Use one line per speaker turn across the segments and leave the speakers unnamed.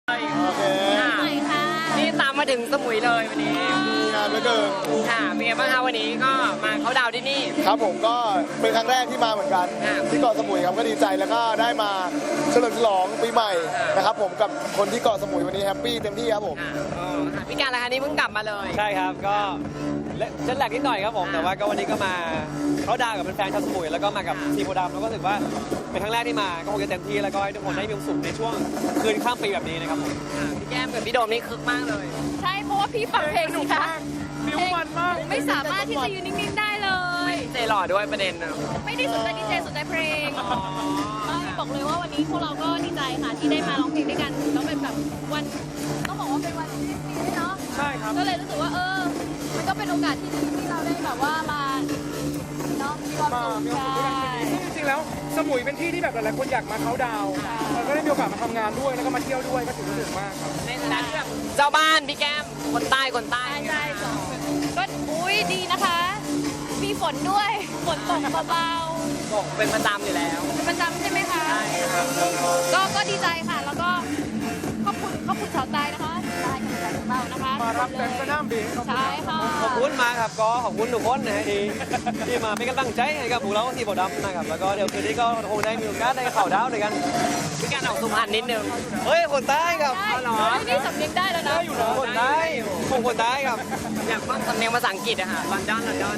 โอเค
ค่ะ
นี่ตามมาถึงสมุยเลยวันนี้
งานเหลือเกิน
ค่ะเป็นไงบ้างคะวันนี้ก็มาเขาดาวที่นี่
ครับผมก็เป็นครั้งแรกที่มาเหมือนกัน
ค่ะ
ที่เกาะสมุยครับก็ดีใจแล้วก็ได้มาเฉลิมฉลองปีใหม่
ค่ะ
นะครับผมกับคนที่เกาะสมุยวันนี้แฮปปี้เต็มที่ครับผม
ค่ะค่ะพี่การละคะนี่เพิ่งกลับมาเลย
ใช่ครับก็เจ็ตแลกนิดหน่อยครับผมแต่ว่าก็วันนี้ก็มาเขาดาวกับแฟนๆชาวสมุยแล้วก็มากับทีมโพดำแล้วก็รู้สึกว่าเป็นครั้งแรกที่มาก็คงจะเต็มที่แล้วก็ให้ทุกคนได้มีความสุขในช่วงคืนข้ามปีแบบนี้นะครับผม
ค่ะพี่แก้มกับพี่โดมนี่คึกมากเลย
ใช่เพราะว่าพี่ฟังเพลงสิคะเพลงไม่สามารถที่จะอยู่นิ่งๆได้เลย
เจหล่อด้วยประเด็นนะ
ไม่ได้สนใจดีเจสนใจเพลงไม่บอกเลยว่าวันนี้พวกเราก็ดีใจค่ะที่ได้มาร้องเพลงด้วยกันแล้วเป็นแบบวันต้องบอกว่าเป็นวันที่ดีด้วยเนาะ
ใช่ครับ
ก็เลยรู้สึกว่ามันก็เป็นโอกาสที่ดีที่เราได้แบบว่ามาเนาะมีความสุขใช่
จริงๆแล้วสมุยเป็นที่ที่แบบหลายๆคนอยากมาเขาน์ดาวน์เราก็ได้มีโอกาสมาทำงานด้วยแล้วก็มาเที่ยวด้วยก็ถือว่าสนุกมากครับ
ในฐานะที่แบบเจ้าบ้านพี่แก้มคนใต้คนใต้
ใช่สองก็อุ้ยดีนะคะ มีฝนด้วยฝนตกเบา
บอกเป็นประจำอยู่แล้ว
ๆเป็นประจำใช่ไหมคะก็ดีใจค่ะ แล้วก็ขอบคุณชาวใต้นะคะใต้กำลังของเรานะคะ
มารับเต็มสนามบิน
ใช่ค่ะ
ขอบคุณมากครับก็ขอบคุณทุกคนนะฮะที่มาเป็นกำลังใจให้กับพวกเราทีมโพดำนะครับแล้วก็เดี๋ยวคืนนี้ก็คงได้มีโอกาสได้ข่าวดาวด้วยกัน
พี่การออกสุพรรณนิดนึง
เฮ้ยคนใต้ครับ
เอาเหรอ
นี่สำเนียงได้แล้วนะ
คนใต้ผมคนใต้ครับ
อยากฟังสำเนียงภาษาอังกฤษอะค่ะลอนดอน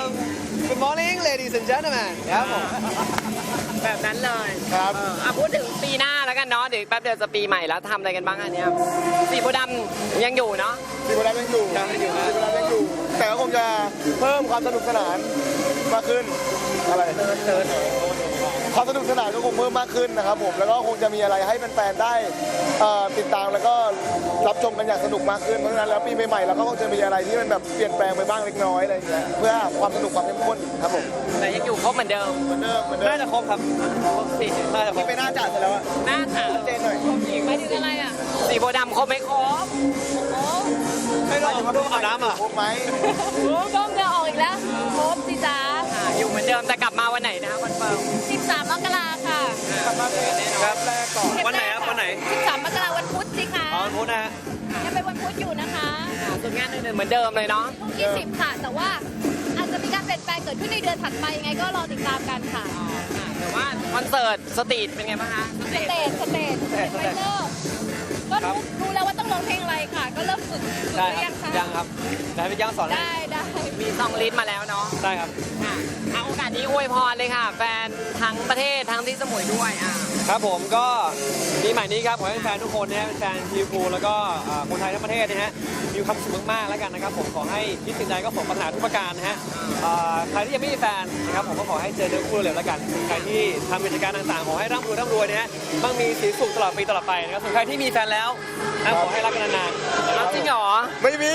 Good morning ladies and gentlemen ครับผม
แบบนั้นเลย
ครับ
พูดถึงปีหน้าแล้วกันเนาะเดี๋ยวแป๊บเดียวจะปีใหม่แล้วทำอะไรกันบ้างอันเนี้ยสีโพธิ์ดำยังอยู่เนาะ
ทีมโพดำยังอยู่ทีมโพดำยังอยู่ แต่ก็คงจะเพิ่มความสนุกสนานมากขึ้นอะไรความสนุกสนานก็คงเพิ่มมากขึ้นนะครับผมแล้วก็คงจะมีอะไรให้แฟนๆได้ติดตามแล้วก็รับชมกันอย่างสนุกมากขึ้นเพราะฉะนั้นแล้วปีใหม่ๆเราก็คงจะมีอะไรที่มันแบบเปลี่ยนแปลงไปบ้างเล็กน้อยอะไรอย่างเงี้ยเพื่อความสนุกความเข้มข้นครับผม
แต่ยังอยู่ครบเหมือนเดิม
เหมือนเดิมเหมือนเดิ
น่าม จะครบครับ
ครบสิ
น่าจะคร
ที่
บ
ไปหน้าจ่าเสร็จแล้วอะ
หน้าขาว
เจนหน่อย
หมายถึงอะไรอ่ะ
สีโพธิ์ดำครบไม่ครบ
โอ้
ไม่ต้องอาบน้ำอ่ะ
ครบไหม
ก้มเงือออกอีกแล้วครบสิจ้า
อยู่เหมือนเดิมแต่กลับมาวันไหนนะคะคอนเฟิร์ม
13 มกราค่ะ
ครับแรกก่อนวันไหนครับวันไหน
13 มกราวันพุธสิคะ
อ๋อวันพุธนะฮะ
ยังเป็นวันพุธอยู่นะคะ
ส่วนงานอื่นๆเหมือนเดิมเลยเนาะ
20 ค่ะ แต่ว่าอาจจะมีการเปลี่ยนแปลงเกิดขึ้นในเดือนถัดไปยังไงก็รอติดตามกันค่ะ
แต่ว่าคอนเสิร์ตสตรีทเป็นไงบ้างคะสตรีท
สเตจไฟเนอร์ก็รู้แล้วว่าต้องร้องเพลงอะไรค่ะ ก็เริ่มฝึก
ได้
เรี
ค
ย
รั
ง
บ
ค่ะ
ยังครับได้พี่ย่างสอนให้
ได้
มีซองลิสต์มาแล้วเนาะ
ได้ครับ
ค่ะเอาโอกาสนี้อวยพรเลยค่ะ แฟนทั้งประเทศทั้งที่สมุยด้วย
ครับผมก็ปีใหม่นี้ครับขอให้แฟนทุกคนนะฮะแฟนทีพูแล้วก็คนไทยทั้งประเทศนะฮะมีความสุขมากๆแล้วกันนะครับผมขอให้คิดสิ่งใดก็สมปรารถนาทุกประการนะฮะใครที่ยังไม่มีแฟนนะครับผมก็ขอให้เจอเนื้อคู่เร็วๆแล้วกันใครที่ทำกิจการต่างๆขอให้ร่ำรวยนะฮะมั่งมีสีสุขตลอดปีตลอดไปนะครับส่วนใครที่มีแฟนแล้วนะขอให้รักกันนาน
เอาจริงเหรอ
ไม่มี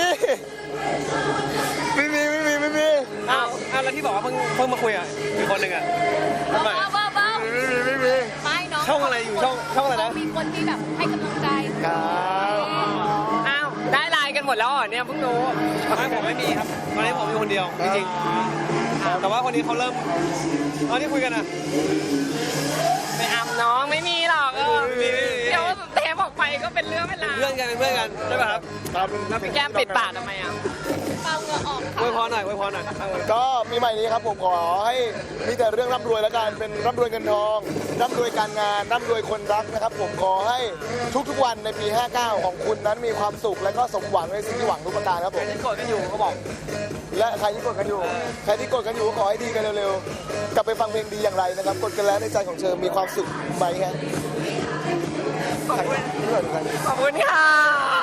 ๆอ้าวแล้วที่บอกว่าเพิ่งมาคุยอ่ะอีกคนหนึ่งอ่ะทำไม
บ้าไม่น้อง
ช่องอะไรอยู่ช่องอะไรนะ
มีคนที่แบบให้กำลังใจ
ครับ
อ้าวได้ไลน์กันหมดแล้วเหรอเนี่ยเพิ่งรู้
ไม่ผมไม่มีครับตอนนี้ผมอยู่คนเดียวจริงๆแต่ว่าคนนี้เขาเริ่มตอนที่คุยกันอ่ะ
ไม่อำน้องไม่มีหรอกเดี๋ยวเทปออกไปก็เป็นเรื่องเป็นราว
เป็นเพื่อนกันใช่ป่ะครับ
ครับ
แล้วพี่แก้มปิดปากทำไมอ่ะ
เปล่าเหงื่อออก
อวยพ
ค่ะ
รหน่อย
ก็ปีใหม่นี้ครับผมขอให้มีแต่เรื่องร่ำรวยแล้วกันเป็นร่ำรวยเงินทองร่ำรวยการงานร่ำรวยคนรักนะครับผมขอให้ทุกๆวันในปี 59 ของคุณนั้นมีความสุขและก็สมหวังในสิ่งที่หวังทุกประการครับผม
ยังโกรธกันอยู่เขาบอก
และใครที่กดกันอยู่ใครที่กดกันอยู่ก็ขอให้ดีกันเร็วๆกลับไปฟังเพลงดีอย่างไรนะครับกดกันแล้วในใจของเธอมีความสุขไหมฮะ
ขอบคุณค่ะ